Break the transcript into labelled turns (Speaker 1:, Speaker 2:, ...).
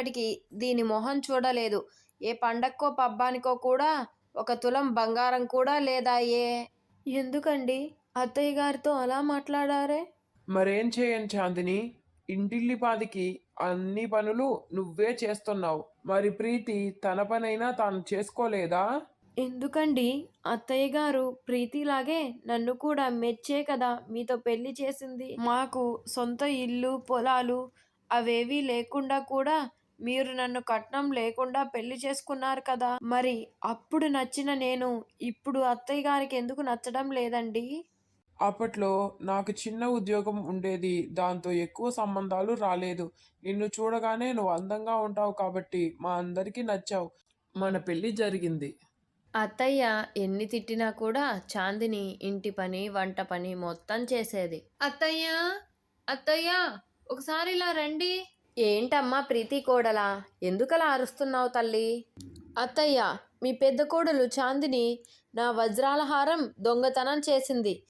Speaker 1: ఇప్పటికి దీని మొహం చూడలేదు. ఏ పండక్కో పబ్బానికో కూడా 1 తులం బంగారం కూడా లేదాయే. ఎందుకండి అత్తయ్య గారితో అలా మాట్లాడారే?
Speaker 2: మరేం చేయను చాందిని. ఇంటిల్లిపాదికి అన్ని పనులు నువ్వే చేస్తున్నావు. మరి ప్రీతి తన పనైనా తాను చేసుకోలేదా?
Speaker 1: ఎందుకండి అత్తయ్య గారు ప్రీతిలాగే నన్ను కూడా మెచ్చే కదా మీతో పెళ్లి చేసింది. మాకు సొంత ఇల్లు, పొలాలు అవేవీ లేకుండా కూడా మీరు నన్ను కట్నం లేకుండా పెళ్లి చేసుకున్నారు కదా! మరి అప్పుడు నచ్చిన నేను ఇప్పుడు అత్తయ్య గారికి ఎందుకు నచ్చడం లేదండి?
Speaker 2: అప్పట్లో నాకు చిన్న ఉద్యోగం ఉండేది. దాంతో ఎక్కువ సంబంధాలు రాలేదు. నిన్ను చూడగానే నువ్వు అందంగా ఉంటావు కాబట్టి మా అందరికీ నచ్చావు. మన పెళ్లి జరిగింది.
Speaker 1: అత్తయ్య ఎన్ని తిట్టినా కూడా చాందిని ఇంటి పని, వంట పని మొత్తం చేసేది. అత్తయ్య అత్తయ్య ఒకసారి ఇలా రండి. ఏంటమ్మా ప్రీతి కోడలా, ఎందుకలా అరుస్తున్నావు తల్లి? అత్తయ్య, మీ పెద్ద కోడలు చాందిని నా వజ్రాల హారం దొంగతనం చేసింది.